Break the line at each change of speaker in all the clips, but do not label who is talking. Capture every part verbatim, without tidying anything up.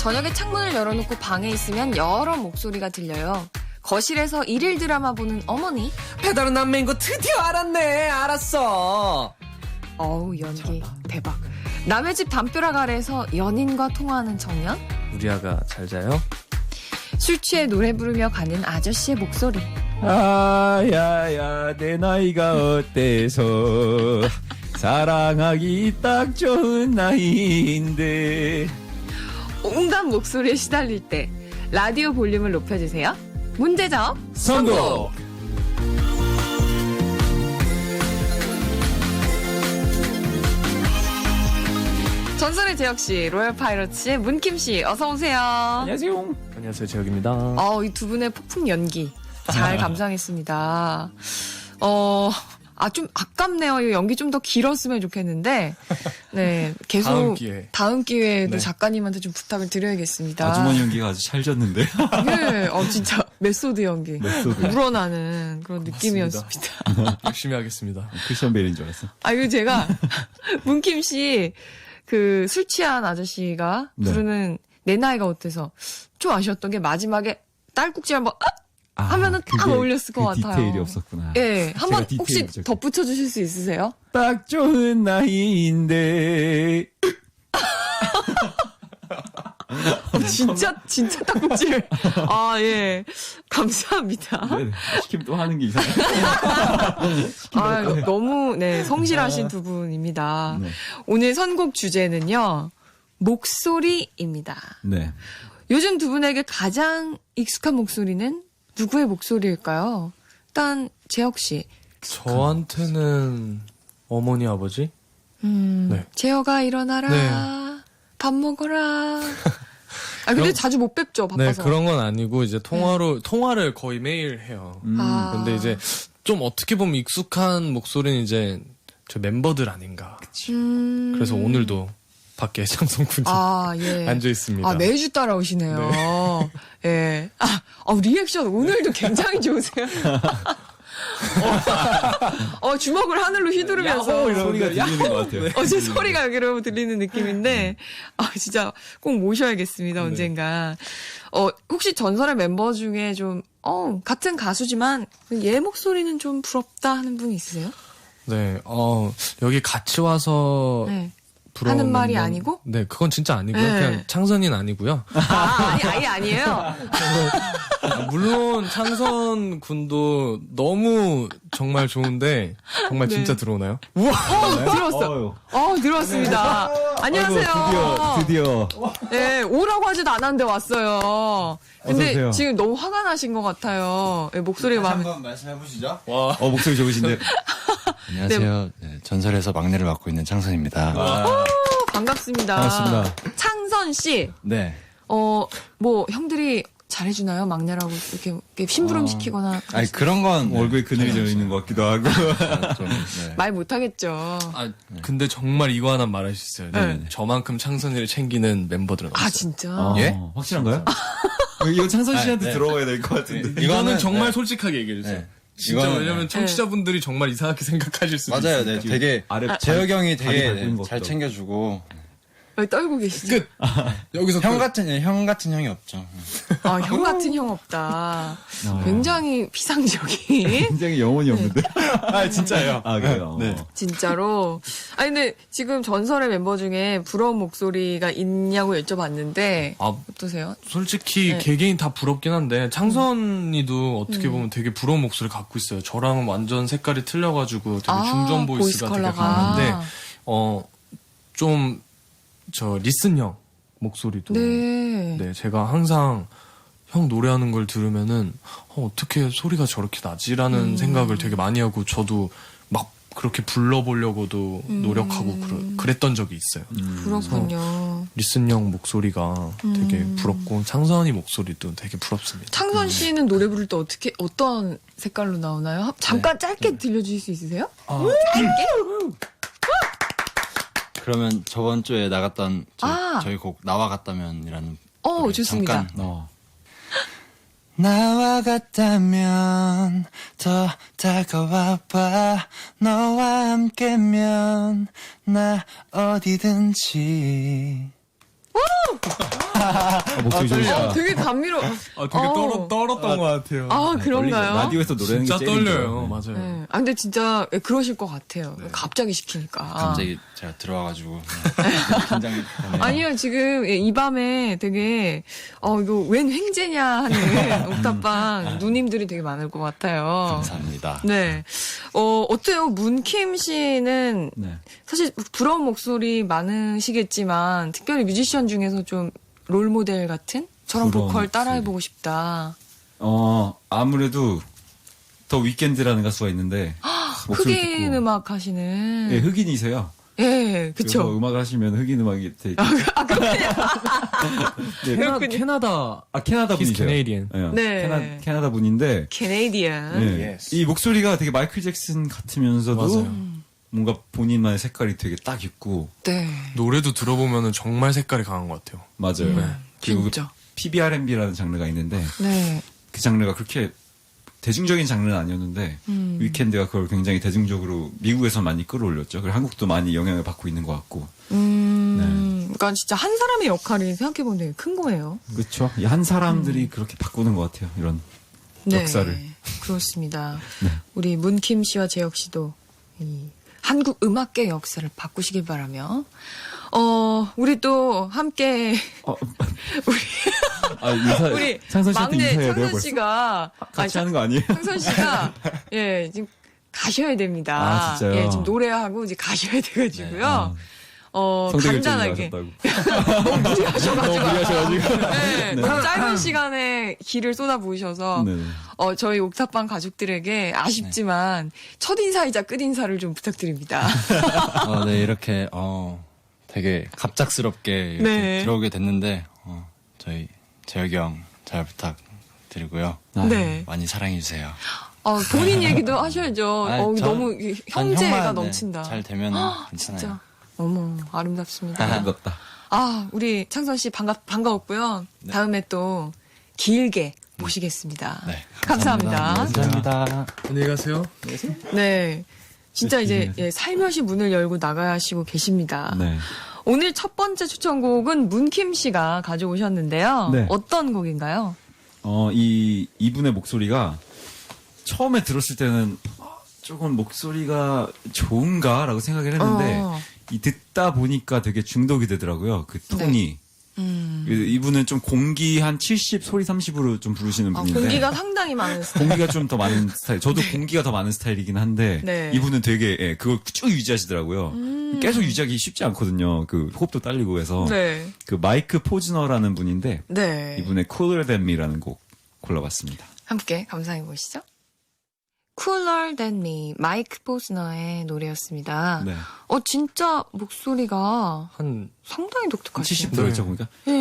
저녁에 창문을 열어놓고 방에 있으면 여러 목소리가 들려요. 거실에서 일일 드라마 보는 어머니.
배달은 남매인 거 드디어 알았네. 알았어.
어우, 연기 대박. 남의 집 담벼락 아래에서 연인과 통화하는 청년.
우리 아가 잘 자요?
술 취해 노래 부르며 가는 아저씨의 목소리.
아야야 내 나이가 어때서 사랑하기 딱 좋은 나이인데.
온갖 목소리에 시달릴 때 라디오 볼륨을 높여주세요. 문제적
선곡.
전설의 재혁씨, 로열 파이러츠의 문킴씨, 어서오세요.
안녕하세요.
안녕하세요, 재혁입니다.
어, 이 두 분의 폭풍 연기 잘 감상했습니다. 어, 아, 좀 아깝네요. 이 연기 좀 더 길었으면 좋겠는데, 네, 계속
다음 기회.
다음 기회에도
네.
작가님한테 좀 부탁을 드려야겠습니다.
아주머니 연기가 아주 찰졌는데.
네, 어, 진짜 메소드 연기,
메소드.
우러나는 그런 느낌이었습니다.
열심히 하겠습니다.
크리스천 베일인 줄 알았어.
아, 이거 제가 문킴 씨 그 술 취한 아저씨가
네.
부르는 내 나이가 어때서 좀 아쉬웠던 게 마지막에 딸꾹질 한번 아!
아,
하면은 딱
그게
어울렸을 것
그
같아요.
디테일이 없었구나.
예, 한번
제가
혹시
디테일을
덧붙여 주실 수 있으세요?
딱 좋은 나이인데.
진짜 진짜 딸꾹질. 아, 예. 감사합니다.
네, 시키면 또 하는 게 이상해.
아, 너무 네, 성실하신 두 분입니다.
네.
오늘 선곡 주제는요. 목소리입니다.
네.
요즘 두 분에게 가장 익숙한 목소리는 누구의 목소리일까요? 일단 재혁 씨.
저한테는 어머니, 아버지?
음,
네.
재혁아 일어나라.
네.
밥 먹어라. 아, 근데
그럼-
자주 못 뵙죠,
네,
바빠서.
그런 건 아니고 이제 통화로 통화를 거의 매일 해요.
음.
아.
근데 이제 좀 어떻게 보면 익숙한 목소리는 이제 저 멤버들 아닌가.
음.
그래서 오늘도 밖에 장성군이
아, 예.
앉아 있습니다.
아, 매주 따라오시네요. 예. 아, 어, 리액션 오늘도 굉장히 좋으세요. 어, 어, 주먹을 하늘로 휘두르면서.
야호! 소리가 들리는 것 같아요.
어제 소리가 여기로 들리는 느낌인데, 아, 진짜 꼭 모셔야겠습니다, 언젠가. 어, 혹시 전설의 멤버 중에 좀, 어, 같은 가수지만, 얘 목소리는 좀 부럽다 하는 분 있으세요?
네, 어 여기 같이 와서
네.
부러운
하는 말이
멤버-
아니고?
네, 그건 진짜 아니고요.
네.
그냥 창선이는 아니고요.
아, 아니, 아예 아니에요.
아, 물론 창선 군도 너무 정말 좋은데 정말
네.
진짜 들어오나요?
어, 들어왔어.
어휴.
어, 들어왔습니다. 안녕하세요.
아이고, 드디어, 드디어.
네, 오라고 하지도 않았는데 왔어요. 근데
어서 오세요.
지금 너무 화가 나신 것 같아요. 네, 목소리가 마음에.
한번 말씀해 보시죠.
와,
어, 목소리 좋으신데.
안녕하세요. 네, 전설에서 막내를 맡고 있는 창선입니다.
어, 반갑습니다.
반갑습니다.
창선 씨,
네.
어, 뭐 형들이 잘해주나요? 막내라고 이렇게, 이렇게 심부름 시키거나
아니 그런 건 네,
얼굴에 그늘이 져 있는 것 같기도 하고.
좀, 네.
말 못하겠죠.
아 근데 정말 이거 하나 말할 수 있어요.
네.
저만큼 창선이를 챙기는 멤버들은 없어요.
아 진짜.
어,
예?
확실한가요? 이거 창선 씨한테
아, 네.
들어가야 될 것 같은데.
이거는
이거는-
정말
네.
솔직하게 얘기해 주세요.
네.
진짜
이거는-
왜냐면
네.
청취자분들이 정말 이상하게 생각하실 수도
맞아요.
있어요.
네, 되게
아래
재혁이 형이
다리
되게
밟은
네,
것도
잘 챙겨주고
왜 떨고 계시죠?
끝. 여기서
형
끝.
같은 형 같은 형이 없죠.
아, 형 같은 형 없다.
어.
굉장히 피상적인.
굉장히 영혼이 없는데.
아 진짜요.
아, 그래요?
네.
진짜로. 아니, 근데 지금 전설의 멤버 중에 부러운 목소리가 있냐고 여쭤봤는데,
아
어떠세요?
솔직히
네.
개개인 다 부럽긴 한데 창선이도 어떻게 보면 되게 부러운 목소리 갖고 있어요. 저랑은 완전 색깔이 틀려가지고 되게
아,
중전
보이스
보이스가 되게
컬러가.
강한데 어 좀 저 리슨 형 목소리도
네.
네, 제가 항상 형 노래하는 걸 들으면은 어, 어떻게 소리가 저렇게 나지라는
음.
생각을 되게 많이 하고 저도 막 그렇게 불러보려고도
음.
노력하고 그러, 그랬던 적이 있어요.
그렇군요.
리슨 형 목소리가 되게
음.
부럽고 창선이 목소리도 되게 부럽습니다.
창선 씨는 노래 부를 때 어떻게, 어떤 색깔로 나오나요? 하- 잠깐 짧게 들려주실 수 있으세요?
아,
그러면 저번 주에 나갔던 저희,
아.
저희 곡 나와 같다면이라는
어,
노래
좋습니다.
잠깐
어.
나와 같다면 더 다가와봐 너와 함께면 나 어디든지
아, 목소리 좋으시다.
어, 되게 감미로.
아, 되게
어.
떨어, 떨었던 것 같아요.
아, 그런가요?
라디오에서 노래하는
진짜
게 제일
떨려요.
힘들어요.
맞아요.
네. 아, 근데 진짜 그러실 것 같아요. 갑자기 시키니까.
갑자기 제가 들어와가지고 긴장.
아니요, 지금 이 밤에 되게, 어, 이거 웬 횡재냐 하는 옥탑방 누님들이 되게 많을 것 같아요.
감사합니다.
네. 어, 어때요? 문킴 씨는
네.
사실 부러운 목소리 많으시겠지만, 특별히 뮤지션 중에서 좀 롤모델 같은? 저런
부러운
보컬
목소리.
따라해보고 싶다.
어, 아무래도 더 위켄드라는 가수가 있는데 목소리
흑인
듣고
음악 하시는.
예, 흑인이세요.
예,
그래서
그쵸.
음악을 하시면 흑인 음악이 되게
아, 그렇군요.
네,
캐나, 캐나다.
아 캐나다
He's
분이세요.
Canadian.
예,
네.
캐나, 캐나다 분인데
캐네디언.
예,
Yes.
이 목소리가 되게 마이클 잭슨 같으면서도
맞아요.
뭔가 본인만의 색깔이 되게 딱 있고
네.
노래도 들어보면 정말 색깔이 강한 것 같아요.
맞아요.
음,
그리고
진짜.
피비알앤비라는 장르가 있는데
네.
그 장르가 그렇게 대중적인 장르는 아니었는데
음.
위켄드가 그걸 굉장히 대중적으로 미국에서 많이 끌어올렸죠. 그리고 한국도 많이 영향을 받고 있는 것 같고.
음, 그러니까 진짜 한 사람의 역할이 생각해보면 되게 큰 거예요.
그렇죠. 이 한 사람들이 그렇게 바꾸는 것 같아요. 이런
네.
역사를.
그렇습니다.
네.
우리 문킴 씨와 재혁 씨도 이 한국 음악계 역사를 바꾸시길 바라며, 어, 우리 또 함께,
어,
우리,
아, 인사,
우리
창선 씨한테
막내
인사해야 돼요,
창선
벌써?
씨가,
같이
아니,
하는 거 아니에요?
창선 씨가, 예, 지금 가셔야 됩니다.
아, 진짜요?
예, 지금 노래하고 이제 가셔야 돼가지고요.
아,
어, 간단하게.
성대결절이
너무 무리하셔가지고.
너무 무리하셔가지고.
네, 너무 짧은 시간에 기를 쏟아부으셔서,
네.
어, 저희 옥탑방 가족들에게 아쉽지만, 첫인사이자 끝인사를 좀 부탁드립니다.
어, 네, 이렇게, 어, 되게 갑작스럽게 이렇게
네.
들어오게 됐는데, 어, 저희 재혁이 형 잘 부탁드리고요.
네.
많이 사랑해주세요.
어, 본인 얘기도 하셔야죠.
아니,
어,
저-
너무
전
형제가
형만, 네,
넘친다.
잘 되면 괜찮아요.
진짜. 어머, 아름답습니다.
아름답다.
아, 우리 창선 씨 반가, 반가웠고요. 다음에 또 길게 모시겠습니다.
네,
감사합니다.
감사합니다.
안녕히 가세요.
네. 진짜
네,
이제
길게.
예, 살며시 문을 열고 나가시고 계십니다.
네.
오늘 첫 번째 추천곡은 문킴 씨가 가져오셨는데요.
네.
어떤 곡인가요?
어, 이, 이분의 목소리가 처음에 들었을 때는 어, 조금 목소리가 좋은가라고 생각을 했는데,
어.
이 듣다 보니까 되게 중독이 되더라고요. 그 톤이.
음.
그 이분은 좀 공기 한 칠십, 소리 삼십으로 좀 부르시는
아,
분인데.
공기가 상당히 많은 스타일.
공기가 좀 더 많은 스타일. 저도 공기가 더 많은 스타일이긴 한데
네.
이분은 되게 예, 그걸 쭉 유지하시더라고요.
음.
계속 유지하기 쉽지 않거든요. 그 호흡도 딸리고 해서
네.
그 마이크 포즈너라는 분인데
네.
이분의 Cooler Than Me라는 곡 골라봤습니다.
함께 감상해 보시죠. Cooler Than Me, 마이크 포스너의 노래였습니다.
네.
어, 진짜 목소리가
한,
상당히 독특하시죠.
칠십 도였죠, 보니까.
네.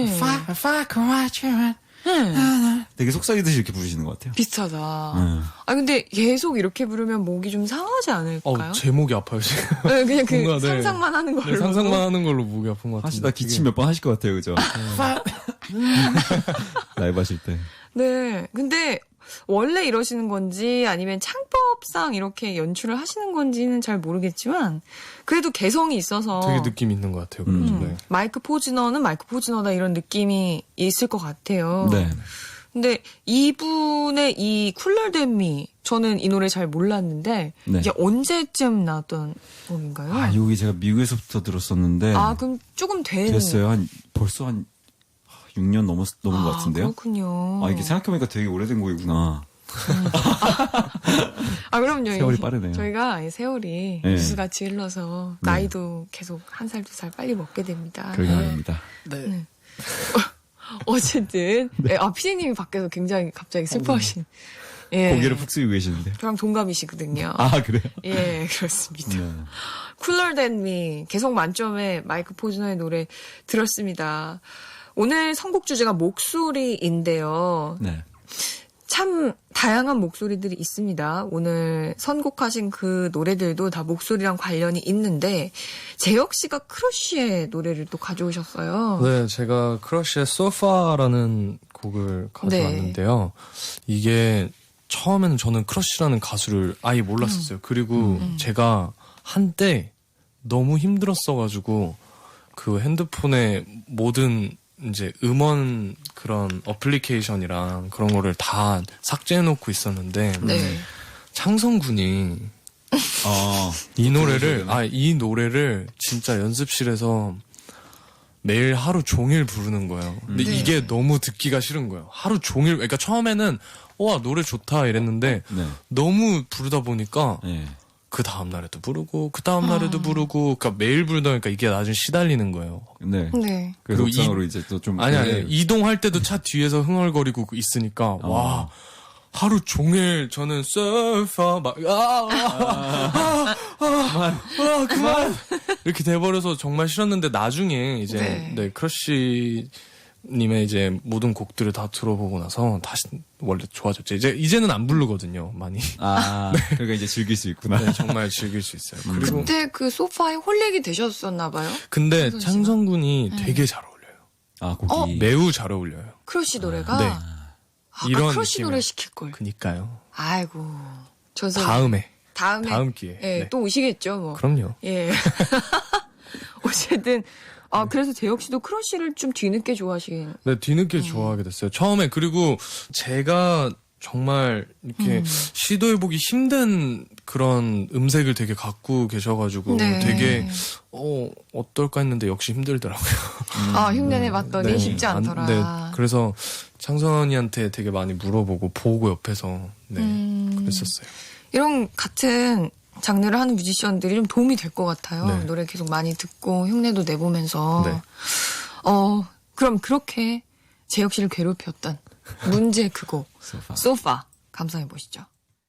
네.
되게 속삭이듯이 이렇게 부르시는 것 같아요.
비슷하다.
네.
아, 근데 계속 이렇게 부르면 목이 좀 상하지 않을까요?
어, 제목이 아파요, 지금.
네, 그냥 그
뭔가, 네.
상상만 하는 걸로.
네, 상상만 하는 걸로 목이 아픈 것 같은데.
하시다 기침 몇 번 하실 것 같아요, 그죠? 라이브 하실 때.
네. 근데 원래 이러시는 건지 아니면 창법상 이렇게 연출을 하시는 건지는 잘 모르겠지만 그래도 개성이 있어서
되게 느낌 있는 것 같아요.
음.
그래서
음,
네.
마이크 포즈너는 마이크 포즈너다 이런 느낌이 있을 것 같아요.
네.
근데 이분의 이 쿨러 댐미 저는 이 노래 잘 몰랐는데
네.
이게 언제쯤 나왔던 곡인가요?
아, 여기 제가 미국에서부터 들었었는데.
아, 그럼 조금 된
됐어요. 한, 벌써 한 육 년 넘었, 넘은 것
아,
같은데요.
그렇군요.
아, 이게 생각해보니까 되게 오래된 곡이구나.
아, 그럼요.
세월이
이-
빠르네요.
저희가 이 세월이
네.
뉴스같이 흘러서
네.
나이도 계속 한 살, 두 살 빨리 먹게 됩니다.
그러게 말입니다.
네. 어쨌든, 네, 아, 피디님이 밖에서 굉장히 갑자기 슬퍼하신. 예.
고개를 푹 숙이고 계시는데.
저랑 동갑이시거든요.
아, 그래요?
예, 그렇습니다.
네.
쿨러 댄 미, 개성 만점의 마이크 포즈너의 노래 들었습니다. 오늘 선곡 주제가 목소리인데요.
네.
참 다양한 목소리들이 있습니다. 오늘 선곡하신 그 노래들도 다 목소리랑 관련이 있는데 재혁 씨가 크러쉬의 노래를 또 가져오셨어요.
네, 제가 크러쉬의 소파라는 곡을 가져왔는데요. 이게 처음에는 저는 크러쉬라는 가수를 아예 몰랐었어요. 그리고 제가 한때 너무 힘들었어가지고 그 핸드폰에 모든 이제 음원 그런 어플리케이션이랑 그런 거를 다 삭제해놓고 있었는데
네.
창성 군이
어,
이 노래를 아 이 노래를 진짜 연습실에서 매일 하루 종일 부르는 거예요. 근데
네.
이게 너무 듣기가 싫은 거예요. 하루 종일 그러니까 처음에는 와 노래 좋다 이랬는데
네.
너무 부르다 보니까
네.
그 다음 날에도 부르고 그 다음 날에도 부르고 그러니까 매일 부르다 보니까 이게 나중에 시달리는 거예요.
네.
네.
그래서
그리고
옥상으로 이제 또 좀.
아니 아니
네.
이동할 때도 차 뒤에서 흥얼거리고 있으니까 와 하루 종일 저는 surfer 막아아아 아, 아, 그만 이렇게 돼버려서 정말 싫었는데 나중에 이제
네.
네, 크러쉬 님의 이제 모든 곡들을 다 들어보고 나서 다시 원래 좋아졌죠. 이제 이제는 안 부르거든요 많이.
아, 그러니까 이제 즐길 수 있구나.
네, 정말 즐길 수 있어요. 그리고
그때 그 소파에 홀릭이 되셨었나 봐요.
근데
창성 씨가?
창성 군이 되게 잘 어울려요.
아, 곡이.
매우 잘 어울려요.
크러쉬 노래가.
네.
아까
이런
크러쉬
느낌의-
노래 시킬 걸.
그니까요.
아이고. 전선.
다음에
다음에.
다음 기회.
예,
네.
또 오시겠죠, 뭐.
그럼요.
예. 어쨌든 아 그래서 재혁 씨도 크러쉬를 좀 뒤늦게 좋아하시긴.
네, 뒤늦게 좋아하게 됐어요. 처음에 그리고 제가 정말 이렇게
음.
시도해보기 힘든 그런 음색을 되게 갖고 계셔가지고
네.
되게 어 어떨까 했는데 역시 힘들더라고요.
아 흉내내 봤더니
네.
쉽지 않더라.
안- 네, 그래서 창선이한테 되게 많이 물어보고 보고 옆에서 네
음.
그랬었어요.
이런 같은 장르를 하는 뮤지션들이 좀 도움이 될 것 같아요.
네.
노래 계속 많이 듣고 흉내도 내보면서.
네.
어 그럼 그렇게 재혁 씨를 괴롭혔던 문제 그곡
소파.
소파 감상해 보시죠.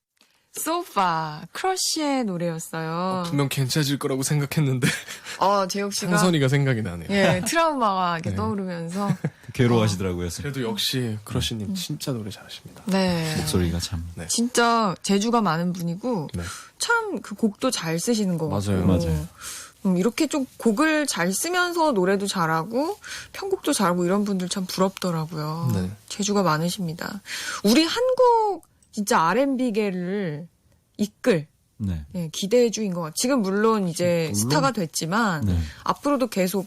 소파 크러쉬의 노래였어요.
분명 괜찮아질 거라고 생각했는데
어 재혁 씨가
창선이가 생각이 나네요.
예 트라우마가 이렇게
네.
떠오르면서
괴로워하시더라고요.
그래도 역시 크러쉬님 진짜 노래 잘하십니다.
네
목소리가 참.
네.
진짜 재주가 많은 분이고
네.
참 그 곡도 잘 쓰시는 것
맞아요.
같고
맞아요.
음, 이렇게 좀 곡을 잘 쓰면서 노래도 잘하고 편곡도 잘하고 이런 분들 참 부럽더라고요.
네.
재주가 많으십니다. 우리 한국 진짜 알앤비계를 이끌
네.
예, 기대주인 것 같아요. 지금 물론 이제
물론.
스타가 됐지만
네.
앞으로도 계속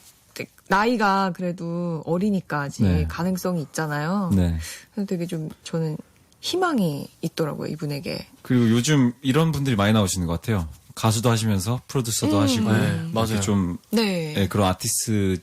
나이가 그래도 어리니까 아직
네.
가능성이 있잖아요.
네.
그래서 되게 좀 저는 희망이 있더라고요, 이분에게.
그리고 요즘 이런 분들이 많이 나오시는 것 같아요. 가수도 하시면서 프로듀서도
음.
하시고.
네,
이렇게
맞아요.
좀
네.
예, 그런 아티스트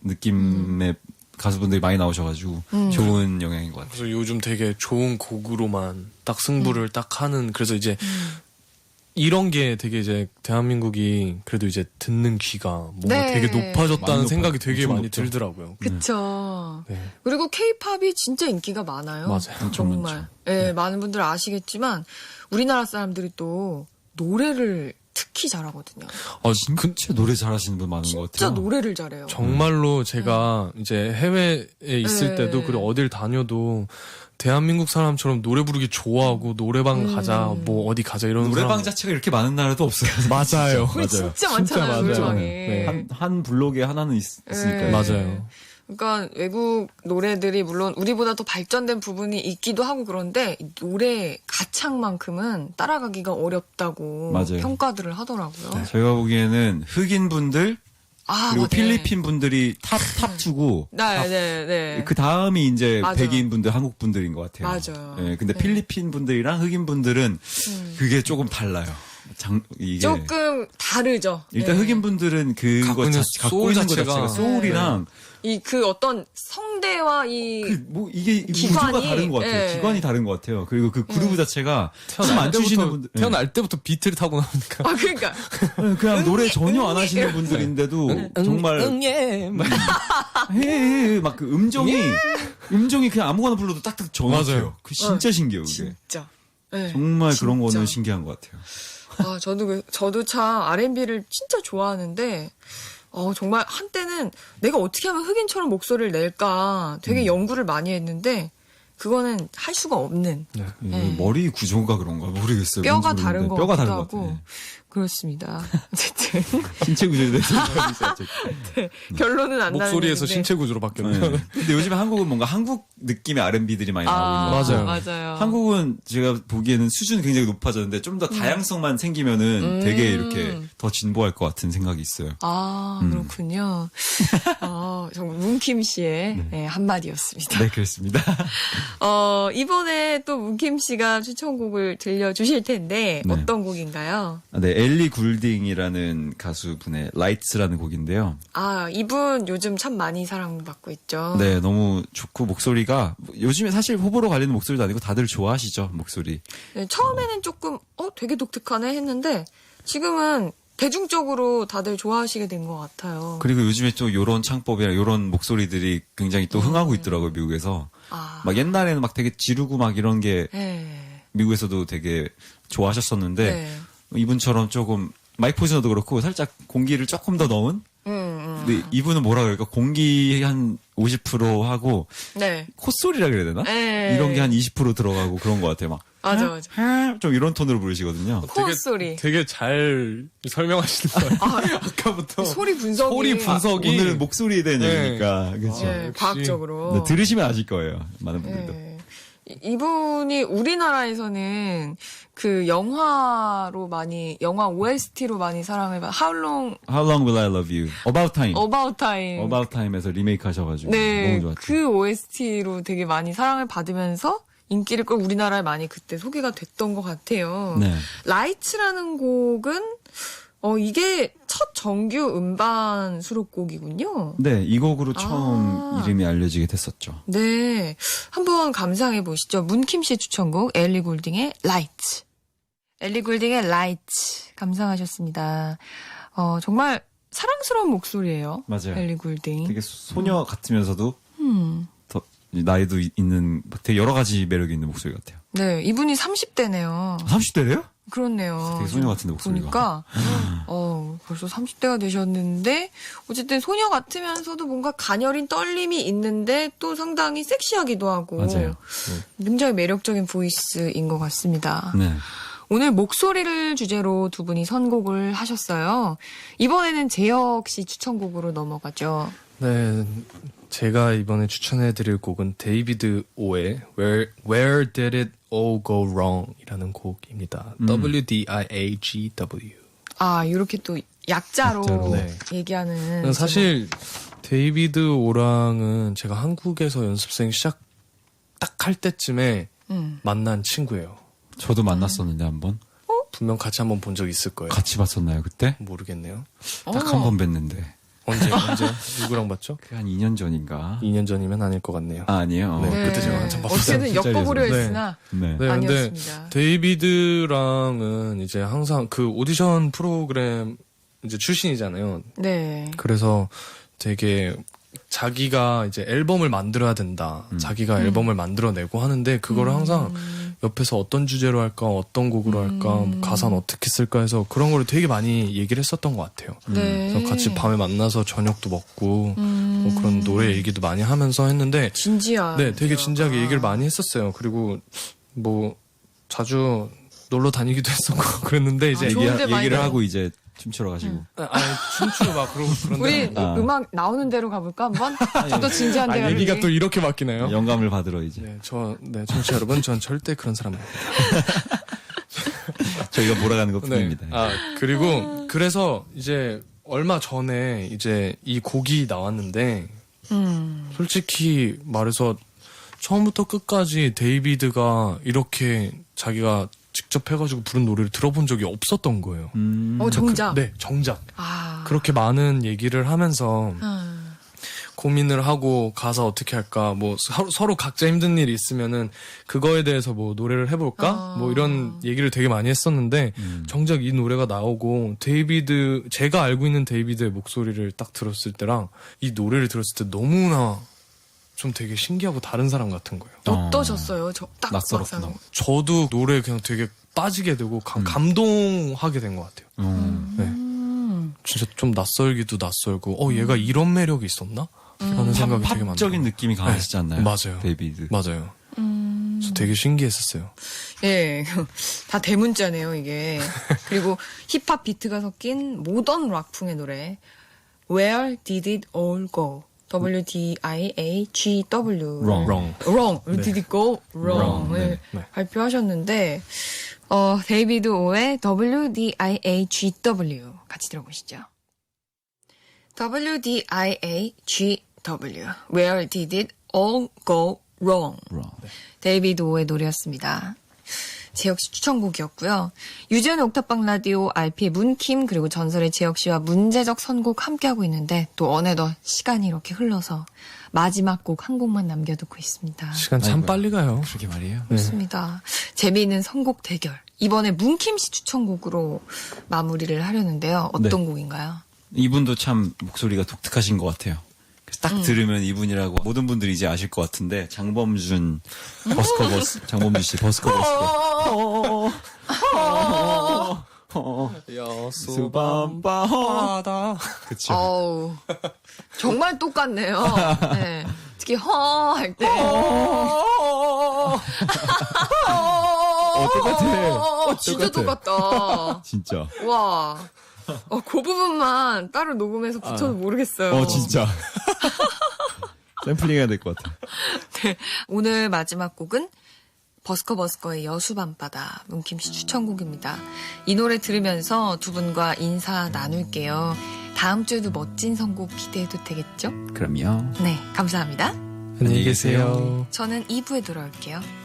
느낌의 가수분들이 많이 나오셔가지고
음.
좋은 영향인 것 같아요.
그래서 요즘 되게 좋은 곡으로만 딱 승부를 딱 하는 그래서 이제
음.
이런 게 되게 이제 대한민국이 그래도 이제 듣는 귀가 뭔가
네.
되게 높아졌다는
많이
생각이
높아-
되게
엄청
많이
높죠.
들더라고요.
그쵸.
네.
그리고 케이팝이 진짜 인기가 많아요.
맞아요.
엄청
정말.
많죠.
예, 많은 분들 아시겠지만 우리나라 사람들이 또 노래를 특히 잘하거든요.
어, 그,
진짜 노래 잘하시는 분 많은 것
진짜
같아요.
노래를 잘해요.
정말로 제가 이제 해외에 있을
네.
때도 그리고 어딜 다녀도 대한민국 사람처럼 노래 부르기 좋아하고 노래방
음.
가자 뭐 어디 가자 이런
노래방
사람
자체가 이렇게 많은 나라도 없어요.
맞아요.
우리 진짜 많잖아요,
맞아요.
노래방에.
네.
한, 한 블록에 하나는 있, 으니까
네.
맞아요.
그러니까 외국 노래들이 물론 우리보다 더 발전된 부분이 있기도 하고 그런데 이 노래 가창만큼은 따라가기가 어렵다고
맞아요.
평가들을 하더라고요.
제가 보기에는 흑인 분들
아,
그리고
맞아요.
필리핀 분들이 탑 탑 투고
네, 네, 네.
그 다음이 이제
맞아.
백인 분들, 한국 분들인 것 같아요.
맞아요.
예, 근데
네.
필리핀 분들이랑 흑인 분들은
음.
그게 조금 달라요. 장, 이게
조금 다르죠.
일단
네.
흑인 분들은 그거
갖고 있는
자, 갖고
소울
있는 것
자체가-
자체가 소울이랑
이 그 어떤 성대와 이
그 뭐 이게 이
기관이,
구조가 다른 것 같아요.
예.
기관이 다른 것 같아요. 그리고 그 그루브 자체가 춤
태어날
안 추시는
때부터
분들 예.
태어날 때부터 비트를 타고 나오니까
아 그러니까
예, 그냥 노래 전혀 안
응애
하시는 분들인데도 정말
응예
막 그 음정이 음정이 그냥 아무거나 불러도 딱딱 정확해요.
맞아요.
그 진짜 신기해요. 그게
진짜 네,
정말 그런
진짜.
거는 신기한 것 같아요.
아 저도 그- 저도 참 알앤비를 진짜 좋아하는데 어 정말 한때는 내가 어떻게 하면 흑인처럼 목소리를 낼까 되게 연구를 많이 했는데 그거는 할 수가 없는
네.
예,
네.
머리 구조가 그런가 모르겠어요.
뼈가
뭔지
다른
모르겠는데
것
뼈가
같기도
다른 것
하고
같아요.
그렇습니다. 어쨌든
신체 구조에 대해서 생각하고 있어요.
네, 결론은 안 나는
목소리에서
얘기인데.
신체 구조로 바뀌었네요.
네. 근데 요즘에 한국은 뭔가 한국 느낌의 알앤비들이 많이 나오고 있는 것 같아요.
맞아요.
맞아요.
한국은 제가 보기에는 수준이 굉장히 높아졌는데 좀 더 다양성만 생기면은
음.
되게 이렇게 더 진보할 것 같은 생각이 있어요.
아,
음.
그렇군요. 어, 정말 문킴 씨의 네, 한마디였습니다.
네, 그렇습니다.
어, 이번에 또 문킴 씨가 추천곡을 들려주실 텐데,
네.
어떤 곡인가요?
아, 네, 엘리 굴딩이라는 가수분의 라이츠라는 곡인데요.
아, 이분 요즘 참 많이 사랑받고 있죠.
네, 너무 좋고 목소리가 요즘에 사실 호불호 갈리는 목소리도 아니고 다들 좋아하시죠, 목소리.
네, 처음에는 조금, 어, 되게 독특하네 했는데, 지금은 대중적으로 다들 좋아하시게 된 것 같아요.
그리고 요즘에 또 요런 창법이나 요런 목소리들이 굉장히 또 흥하고 있더라고요, 미국에서.
아,
막 옛날에는 막 되게 지르고 막 이런 게
네.
미국에서도 되게 좋아하셨었는데
네.
이분처럼 조금 마이크 포지션도 그렇고 살짝 공기를 조금 더 넣은
음, 음.
근데 이분은 뭐라 그럴까 공기 한 오십 퍼센트 하고
네.
콧소리라 그래야 되나?
네.
이런 게 한 이십 퍼센트 들어가고 그런 것 같아요. 막
맞아, 맞아.
하- 좀 이런 톤으로 부르시거든요.
코어 소리.
되게 잘 설명하시는 거예요. 아까부터
소리 분석이.
소리 분석이
오늘은 목소리에 대한
네.
얘기니까 그렇죠.
네,
역시.
과학적으로.
네, 들으시면 아실 거예요. 많은 분들도.
네. 이- 이분이 우리나라에서는 그 영화로 많이, 영화 오에스티로 많이 사랑을 받, How Long
How long will I love you? About time.
About Time.
About time에서 리메이크 하셔가지고
네,
너무 좋았죠.
그 오에스티로 되게 많이 사랑을 받으면서 인기를 끌 우리나라에 많이 그때 소개가 됐던 것 같아요.
네.
라이츠라는 곡은 어 이게 첫 정규 음반 수록곡이군요.
네, 이 곡으로 처음
아.
이름이 알려지게 됐었죠.
네, 한번 감상해 보시죠. 문킴 씨 추천곡 엘리 골딩의 라이츠. 엘리 골딩의 라이츠 감상하셨습니다. 어 정말 사랑스러운 목소리예요.
맞아요.
엘리 골딩.
되게 소녀 같으면서도
음.
더 나이도 이- 있는 되게 여러 가지 매력이 있는 목소리 같아요.
네, 이분이 삼십 대네요.
삼십 대래요?
그렇네요.
되게 소녀 같은데, 목소리가.
보니까 어, 벌써 삼십 대가 되셨는데 어쨌든 소녀 같으면서도 뭔가 가녀린 떨림이 있는데 또 상당히 섹시하기도 하고
맞아요.
굉장히 매력적인 보이스인 것 같습니다.
네.
오늘 목소리를 주제로 두 분이 선곡을 하셨어요. 이번에는 재혁 씨 추천곡으로 넘어가죠.
네, 제가 이번에 추천해드릴 곡은 데이비드 오의 Where, Where Did It All Go Wrong 이라는 곡입니다.
음.
W D I A G W.
아, 이렇게 또 약자로,
약자로. 네.
얘기하는
사실 데이비드 오랑은 제가 한국에서 연습생 시작 딱 할 때쯤에
음.
만난 친구예요.
저도 만났었는데 한번
분명 같이 한번 본 적 있을 거예요.
같이 봤었나요 그때?
모르겠네요.
딱
어.
한 번 뵀는데
언제 언제 누구랑 봤죠?
그 한 이 년 전인가?
이 년 전이면 아닐 것 같네요.
아, 아니에요.
네.
어.
그때 제가 한참 봤었어요.
어떻게든 엮어보려
네.
했으나
네.
네, 근데
아니었습니다.
데이비드랑은 이제 항상 그 오디션 프로그램 이제 출신이잖아요.
네.
그래서 되게 자기가 이제 앨범을 만들어야 된다.
음.
자기가 앨범을 만들어내고 하는데 그거를 항상 옆에서 어떤 주제로 할까, 어떤 곡으로 할까, 뭐 가사는 어떻게 쓸까 해서 그런 거를 되게 많이 얘기를 했었던 것 같아요.
네.
그래서 같이 밤에 만나서 저녁도 먹고
음.
뭐 그런 노래 얘기도 많이 하면서 했는데
진지한.
네, 되게 진지하게 얘기를 많이 했었어요. 그리고 뭐 자주 놀러 다니기도 했었고 그랬는데 이제
아,
얘기,
좋은데 많이
얘기를
들어.
하고 이제 춤추러 가시고.
아니 춤추고 막 그러고
우리
그런데
아.
음악 나오는 대로 가볼까 한번? 좀 더 진지한
아,
대화.
얘기가 또 이렇게 바뀌나요?
영감을 받으러 이제
네, 저, 네, 청취자 여러분, 전 절대 그런 사람 아닙니다.
저희가 몰아가는 것
네.
뿐입니다.
아, 그리고, 그래서 이제 얼마 전에 이제 이 곡이 나왔는데,
음.
솔직히 말해서 처음부터 끝까지 데이비드가 이렇게 자기가 직접 해가지고 부른 노래를 들어본 적이 없었던 거예요.
음.
어 정작.
네, 정작.
아.
그렇게 많은 얘기를 하면서
음.
고민을 하고 가사 어떻게 할까 뭐 서로, 서로 각자 힘든 일이 있으면은 그거에 대해서 뭐 노래를 해볼까
아.
뭐 이런 얘기를 되게 많이 했었는데
음.
정작 이 노래가 나오고 데이비드 제가 알고 있는 데이비드의 목소리를 딱 들었을 때랑 이 노래를 들었을 때 너무나 좀 되게 신기하고 다른 사람 같은 거예요.
어떠셨어요? 저딱
낯설었구나.
막상.
저도 노래에 그냥 되게 빠지게 되고 감,
음.
감동하게 된 것 같아요.
음.
네.
음.
진짜 좀 낯설기도 낯설고 어 얘가 이런 매력이 있었나? 라는 생각이 되게 많아요.
팝적인 느낌이 강하시지 않나요?
네, 맞아요.
데이비드.
맞아요.
음.
그래서 저 되게 신기했었어요.
예, 다 대문자네요, 이게. 그리고 힙합 비트가 섞인 모던 락풍의 노래. Where did it all go? W D I A G W.
Wrong.
Wrong.
Wrong. Where
네.
did it go?
Wrong.
Wrong을
네.
발표하셨는데, 어, 데이비드 오의 W D I A G W 같이 들어보시죠. W D I A G W. Where did it all go wrong?
Wrong.
데이비드 오의 노래였습니다. 재혁 씨 추천곡이었고요. 유재현의 옥탑방 라디오, 알피의 문킴, 그리고 전설의 재혁 씨와 문제적 선곡 함께하고 있는데 또 어느덧 시간이 이렇게 흘러서 마지막 곡 한 곡만 남겨두고 있습니다.
시간 참
아이고야.
빨리 가요.
그러게 말이에요.
그렇습니다. 재미있는 선곡 대결. 이번에 문킴 씨 추천곡으로 마무리를 하려는데요. 어떤
네.
곡인가요?
이분도 참 목소리가 독특하신 것 같아요. 그래서 딱 들으면 이분이라고 모든 분들이 이제 아실 것 같은데 장범준 버스커버스 장범준 씨 버스커버스
수밤바다. 그쵸.
어우, 정말 똑같네요. 네. 특히 허 할 때.
어 똑같아.
어, 진짜 똑같다.
진짜.
와. 어, 그 부분만 따로 녹음해서 붙여도 모르겠어요.
어 진짜. 샘플링 해야 될 것 같아.
네. 오늘 마지막 곡은 버스커 버스커의 여수밤바다 문킴 씨 추천곡입니다. 이 노래 들으면서 두 분과 인사 나눌게요. 다음 주에도 멋진 선곡 기대해도 되겠죠?
그럼요.
네, 감사합니다.
안녕히 계세요.
저는 이 부에 돌아올게요.